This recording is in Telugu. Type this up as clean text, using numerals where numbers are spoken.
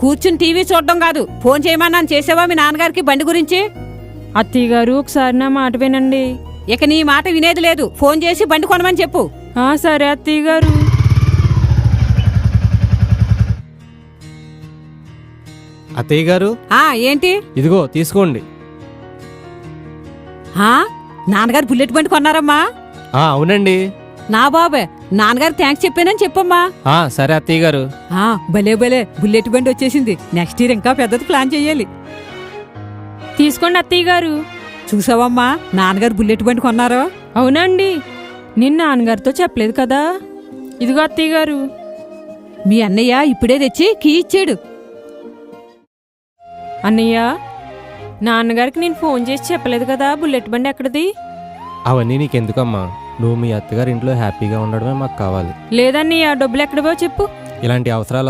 కూర్చుని టీవీ చూడడం కాదు, ఫోన్ చేయమన్నాను చేసావా మీ నాన్నగారికి బండి గురించి? అత్తయ్య గారు ఒకసారి నా మాట వినండి. ఇక నీ మాట వినేది లేదు, ఫోన్ చేసి బండి కొనమని చెప్పు. సరే అత్తయ్య గారు. అత్తయ్య గారు ఏంటి? ఇదిగో తీసుకోండి. నాన్నగారు బుల్లెట్ బండి కొన్నారమ్మా? అవునండి. నా బాబే, నాన్నగారు థ్యాంక్స్ చెప్పానని చెప్పమ్మా. సరే అత్తయ్య గారు. భలే భలే బుల్లెట్ బండి వచ్చేసింది. నెక్స్ట్ ఇయర్ ఇంకా పెద్దది ప్లాన్ చెయ్యాలి. తీసుకోండి అత్తయ్య గారు. చూసావమ్మా నాన్నగారు బుల్లెట్ బండి కొన్నారో? అవునండి, నిన్న నాన్నగారితో చెప్పలేదు కదా. ఇదిగో అత్తయ్య గారు. మీ అన్నయ్య ఇప్పుడే తెచ్చి కీ ఇచ్చాడు. అన్నయ్య, నాన్నగారికి నేను ఫోన్ చేసి చెప్పలేదు కదా బుల్లెట్ బండి ఎక్కడిది. అవన్నీ నీకెందుకమ్మా, నువ్వు మీ అత్తగారి ఇంట్లో హ్యాపీగా ఉండడమే మాకు కావాలి. లేదన్నయ్య, డబ్బులు ఎక్కడవో చెప్పు. ఇలాంటి అవసరాలు